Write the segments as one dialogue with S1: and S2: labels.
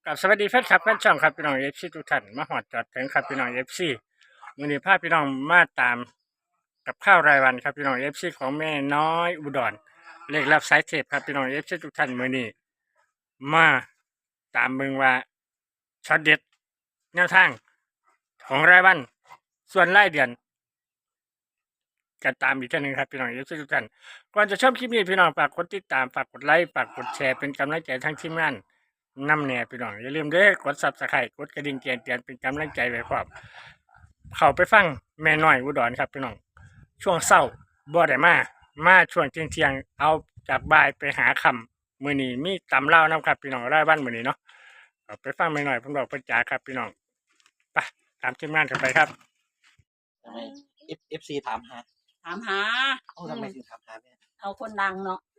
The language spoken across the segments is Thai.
S1: กับสวัสดีแฟนคลับแฟนช่องครับพี่น้องเอฟซีทุกท่านมาหอดจอดถึงครับพี่น้องเอฟซีวันนี้พาพี่น้องมาตามกับข้าวรายวันครับพี่น้องเอฟซีของแม่น้อยอุดรเลขรับสายเทปครับพี่น้องเอฟซีทุกท่านมื้อนี้มาตามเบิ่งว่าช็อตเด็ดแนวทางของรายวันส่วนรายเดือนกันตามอีกท่านหนึ่งครับพี่น้องเอฟซีทุกท่านก่อนจะชมคลิปนี้พี่น้องฝากกดติดตามฝากกดไลค์ฝากกดแชร์เป็นกำลังใจทั้งทีมงานนำแน่พี่น้องอย่าลืมเด้อกด Subscribe กดกระดิ่งแจ้งเตือนเป็นกำลังใจไว้พร้อมเข้าไปฟังแม่น้อยอุดรครับพี่น้องช่วงเช้าบ่ได้มาช่วงเที่ยงเอาจากบ่ายไปหาคำมื้อนี้มีตำเล่านํครับพี่น้องรายวันมื้อนี้เนาะเอาไปฟังแม่น้อยเพิ่นบอกเพิ่นจ๋าครับพี่น้องไปตามทีมงานกันไปครับ
S2: ทำไมFC ถามหา
S3: ถามหา
S2: ทำไมถึงถามหาแม่
S3: เอาคนดังเนาะ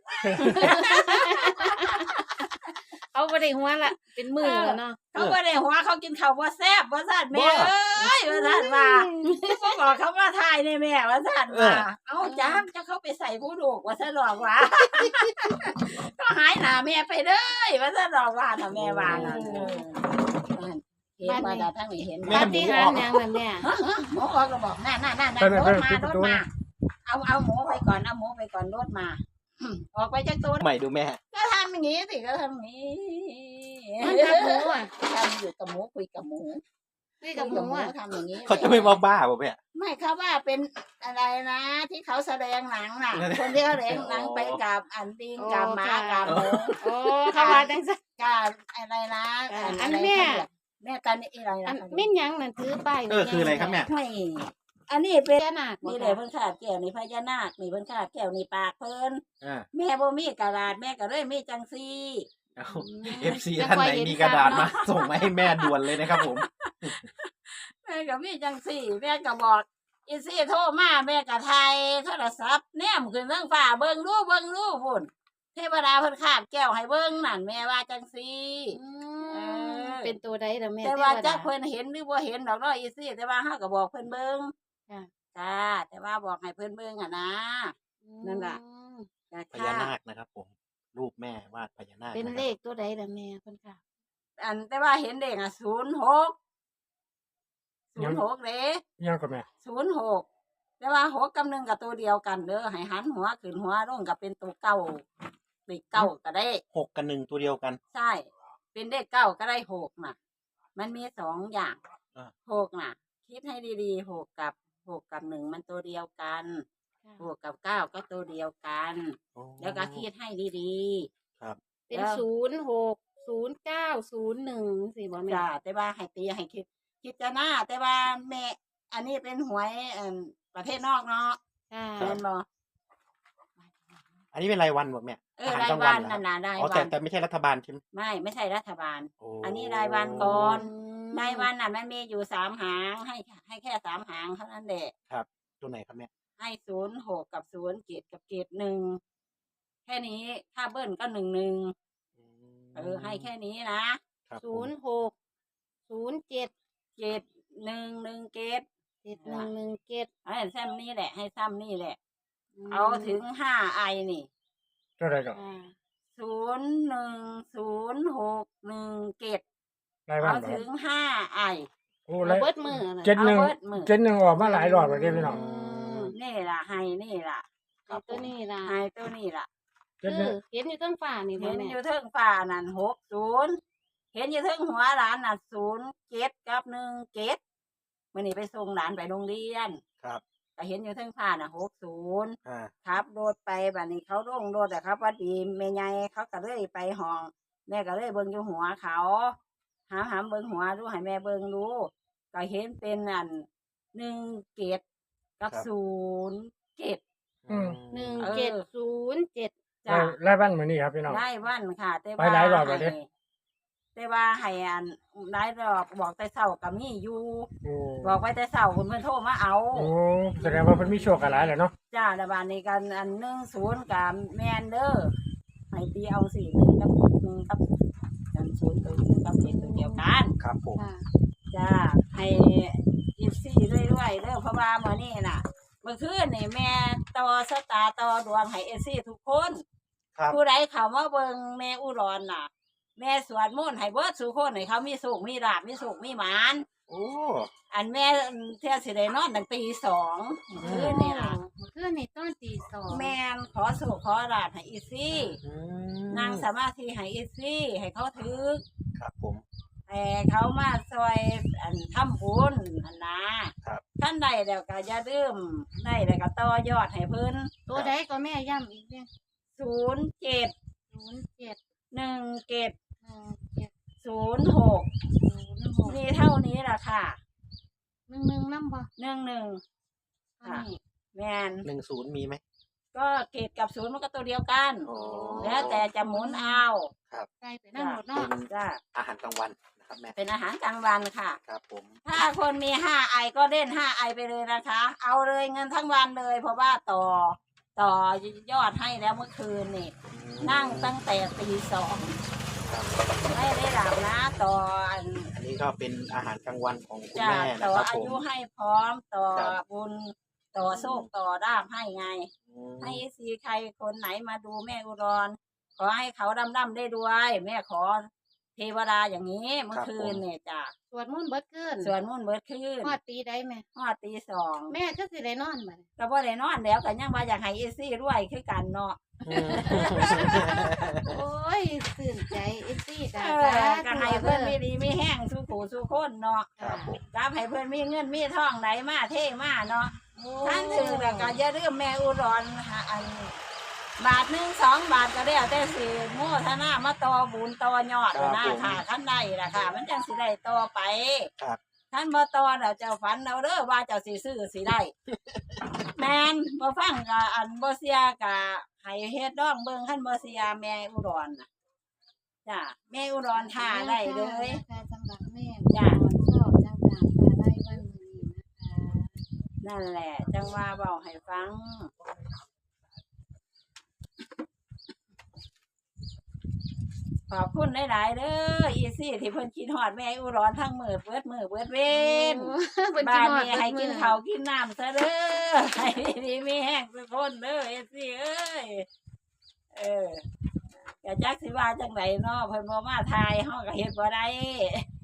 S4: เอาไปได้หัวละเป็นมือแล้วเนาะ
S3: เขาบ่ได้หัวเขากินข้าวบ่แซ่บว่าซั่นแม่เอ้ยว่าซั่นว่าบ่บอกเขาว่าทายในแม่ว่าซั่นว่าเอาจ้ามจะเข้าไปใส่ผู้ลูกว่าซั่นหรอกว่าก็หายหน้าแม่ไปเด้อว่าซั่นหรอกว่าน่ะแม่ว่าน่ะเห็นว่าดาทั้งนี้เห็น
S4: ปาฏิหาริย์หยังล่ะแม่
S3: หมูออกก็บอกนั่นๆๆรถมาเอาหมูไปก่อนเอาหมูไปก่อนรถมาออกไปจากตัว
S2: ใหม่ดูแม่
S3: ก็ทำอย่างนี้สิก็ทำอย่างนี้
S4: มันกับหมูอ่ะ
S3: ทำอยู่กับหมูคุยกับหมู
S4: นี่กับหมูอ่ะ
S3: ทำอย่างนี้
S2: เขาจะไม่มาบ้าป่ะแม่
S3: ไม่เขาว่าเป็นอะไรนะ ที่เขาแสดงหนังน่ะ คนที่เขาแสดงหนังไปกับอันดิงกับหมากับหมู
S4: โอ้เขาว่าจังซั่น
S3: กับอะไรนะแม่ตอนนี้อะไร
S4: อั
S3: นะ
S4: นมิ้นหยังนั่นถือป้าย
S2: คืออะไรครับแม่
S3: ไม่อันนี้เป็น
S4: พญานาคบ่
S3: นี่แหละเพิ่นขาดแก้วนี่พญานาคนี่เพิ่นขาดแก้วนี่ปากเพิ่น
S2: อ่า
S3: แม่บ่มีกระดาษแม่ก็เลยมีจังซี่
S2: เอา FC ท่านไหนมีกระดาษมาส่งมาให้แม่ด่วนเลยนะครับผม
S3: แม่ก็มีจังซี่แม่ก็บอกอีซี่โทรมาแม่ก็ไทยโทรศัพท์แนมขึ้นเรื่องฟ้าเบิ่งดูพุ่นเทวดาเพิ่นคาบแก้วให้เบิ่งนั่นแม่ว่าจังซี่
S4: เป็นตัวใดล่ะแม่
S3: แต่ว่าจักเพิ่นเห็นหรือบ่เห็นดอกเนาะอีซี่แต่ว่าเฮาก็บอกเพิ่นเบิ่ง
S4: ค่ะ
S3: จ้าแต่ว่าบอกให้เพิ่นเบิ่งอ่ะนะ นั่นล่ะ จ้า
S2: พญานาคนะครับผม รูปแม่วาดพญานาค
S4: เป็น
S2: นะค
S4: เล
S2: รับ
S4: ขตัวใดล่ะแม่เพิ่นค่ะ
S3: อันแต่ว่าเห็นเด็กอ่ะ06เด้
S1: ยังก็แม่
S3: 06แต่ว่า6กับ1ก็ตัวเดียวกันเด้อให้หันหัวขึ้นหัวลงก็เป็นตัวเก้าเลขเก้าก็ได้
S2: 6 กับ 1 ตัวเดียวกัน
S3: ใช่ เป็นเลขเก้าก็ได้6น่ะ มันมี2อย่าง
S2: อ่า
S3: 6น่ะ คิดให้ดีๆ6กับ1มันตัวเดียวกัน6กับ9ก็ตัวเดียวกัน
S2: โอ้
S3: แล้วก็คิดให้ดี
S2: ครับ
S4: เป็น
S3: แล้ว
S4: 06 09 01สิบ่
S3: ๆ
S4: แม่
S3: จ้าแต่ว่าให้ตีให้คิดจะหน้าแต่ว่าแม่อันนี้เป็นหวยประเทศนอกเนาะ
S4: ค่ะ
S3: เห็นบ่
S2: อันนี้เป็นรายวันบ่แม่
S3: ราย
S2: กลาง
S3: วัน
S2: เหรอ
S3: นั่นน่ะราย
S2: อ๋อ
S3: วั
S2: แต่ไม่ใช่รัฐบาลใช่ไหม
S3: ไม่ใช่รัฐบาล
S2: โอ้
S3: อันนี้รายวันก่อน รายวันน่ะมันมีอยู่3หางให้แค่3หางเท่านั้นแหละ
S2: ครับ ตัวไหนครับแม่
S3: ให้06กับ07กับเกรด1แค่นี้ถ้าเบิ้ลก็11ให้แค่นี้นะครับ
S2: ผม
S4: 06 07
S3: เกรด1เกรด
S4: 7117
S3: ให้ซ้ำนี่แหละ ให้ซ้ำนี่แหละ เอาถึง5ไอนี่
S1: เท่าไหร่ก็
S3: 01061เกต
S1: รายวัน
S3: เอา
S1: บ่
S3: ถึง5ไอ
S1: โอ้
S4: เอา
S1: ราย
S4: เบิดมือน่ะ
S1: เจ็ดหนึ่ง
S3: เอาเบิดมื้อ
S1: เจ็ดหนึ่งออกมาหลายรอบแล้วเด้พี่น้อง
S3: นี่ล่ะให้นี่ล่ะ
S4: เอาตัวนี้ล่ะ
S3: ให้ตัวนี้ล่ะ
S1: เจ็ดห
S4: คื
S1: นึ่ง
S4: อเห็นอยู่เทั้งฟ้านี่บ่
S3: เห็น
S4: แม่
S3: อยู่เทิงฟ้านั่น60เห็นอยู่เทิงหัวหลานน่ะ07กับ1เกตมื้อนี้ไปส่งหลานไปโรงเรียน
S2: ครับ
S3: ก็เห็นอยู่เทิงฟ้าน่ะ60
S2: อ่า
S3: ครับรถไปบัดนี้เขาลงรถอะครับว่าดีแม่ใหญ่เขาก็เลยไปห้อง แม่ก็เลยเบิ่งอยู่หัวเขาหามเบิ่งหัวดูให้แม่เบิ่งดูก็เห็นเป็นอัน1เกตกับ0เกต
S4: 1707
S3: จ้าร
S1: ายวันมื้อนี้ครับพี่น้อง
S3: ได้วันค่ะ แต่
S1: ไปหลายรอบแล้วเด้
S3: แต่ว่าให้อันหลายรอบบอกแต่เช้าก็มีอยู่
S1: โอ้
S3: บอกไว้แต่เช้าเพิ่นโทรมาเอา
S1: โอ้แสดงว่าเพิ่นมีโชคกันหลายแหละเนาะ
S3: จ้าระบาดนี้กันอัน10กับแมนเด้อให้ตีเอาสิ1กับ1กับกัน0ตัว1กับ7ตัวเดียวกัน
S2: ครับผม
S4: ค่ะ
S3: จ้าให้14เรื่อยๆเด้อเพราะว่ามื้อนี้น่ะเมื่อคืนนี่แม่ต่อสตาร์ต่อดวงให้ FC ทุกคน
S2: ครับ
S3: ผู้ใดเข้ามาเบิ่งแม่อุดรน่ะแม่สวดมนต์ให้เบิดสู่คนให้เขามีสุขมีลาภมีสุขมีหมาน
S2: โอ้
S3: อันแม่เที่ยสิได้นอนตั้งตี2คืนนี่ล่ะ
S4: คืนนี่ตอนตีสอง
S3: แม่นขอสุขขอลาภให้อีซี่
S2: อืม
S3: นั่งสมาธิให้อีซี่ให้เขาถึก
S2: ครับผม
S3: ให้เขามาซอยอันทำบุญอันนะครับ ท่านใดแล้วก็อย่าลืมได้แล้วก็ต่อยอดให้เพิ่น
S4: ตัวใดก็แม่ย้ำอีกเนี่ย
S3: 07
S4: 07
S3: 17
S4: 17
S3: 06
S4: 06
S3: มีเท่านี้ล่ะค่ะ
S4: 11นำบ่
S3: 11
S4: ค่ะนี่
S3: แม่น
S2: 10มีไหม
S3: ก็เกตกับ0มันก็ตัวเดียวกัน
S2: โอ้
S3: แล้วแต่จะหมุนเอา
S4: ใส่ไปนำหมดเนาะ
S2: เป็น
S3: จ้ะ
S2: อาหารกลางวันนะครับแม่
S3: เป็นอาหารกลางวันค่ะ
S2: ครับผม
S3: ถ้าคนมี5 ไอก็เล่น5 ไอไปเลยนะคะ เอาเลยเงินทั้งวันเลย เพราะว่าต่อยอดให้แล้วเมื่อคืนนี่ นั่งตั้งแต่ตี 2
S2: ครับ
S3: ไม่ได้หลับนะต่ออัน
S2: อันนี้ก็เป็นอาหารกลางวันของคุณ
S3: จะ
S2: แม่นะ
S3: ต่อ
S2: ครับ
S3: อา
S2: ผม
S3: ยุให้พร้อมต่อ
S2: ครับ
S3: บุญต่อโชคต่อลาภให้ไง
S2: อืม
S3: ให้ซีใครคนไหนมาดูแม่อุดรขอให้เขาดำได้ด้วย แม่ขอเทวดาอย่างนี้เมื่อคืนเนี่ยจ้ะ
S4: สวดมนต์เบิดคืน
S3: ส่วนมุ่นเบิดคืน
S4: ฮอดตีได้แม่
S3: ฮอดตี 2
S4: แม่ก็สิได้นอนบัดนี้
S3: ก็บ่ได้นอนแล้วก็ยังว่าอยากให้อีซี่รวยคือกันเนาะ
S2: อืม
S4: โอ้ยตื่นใจเอฟซี่
S3: เอ
S4: จ้า
S3: อก็ให้เพิ่นมีดีมีแห้งสู้ขู่สู้คนเนาะ
S2: ครับผม
S3: กับให้เพิ่นมีเงินมีทองไหนมาเท่มาเนาะท่านถือแล้วก็อย่าลืมแม่อุดรหาอันบาท1 2 บาทก็ได้แต่สิโมทนามาต่อบุญต่อยอดนะค่ะคันใดล่ะค่ะ มันจังสิได้ต่อไป
S2: ครับ
S3: ท่านบ่ต่อแล้วเจ้าฝันเอาเด้อว่าเจ้าสิซื้อสิได้ แม่นบ่ฟังก็อันบ่เสียก็ให้เฮ็ดดองเบิ่งคันบ่เสียแม่อุดรน่ะจ้ะแม่อุดรท่าได้เลย
S4: ค่ะสำหรับแม่
S3: จ้ะ
S4: ชอบจังๆค่ะไล่วันนี้นะคะ
S3: นั่นแหละ จังว่าเว้าให้ฟัง ขอบคุณหลายๆเด้ออีซี่ที่เพิ่นคิดฮอดแม่อุดรทั้งมื้อเบิดเว้น
S4: เพิ่น
S3: บ้าน
S4: ฮอด
S3: นี้ให้กิน
S4: เบิดมื้อ
S3: ข้าวกินน้ำซะเด้อให้ดีมีแห้งทุกคนเด้อเอซี่เอ้ยเออก็จักสิว่าจังไดเนาะเพิ่นบ่มาทายเฮาก็เฮ็ดบ่ได้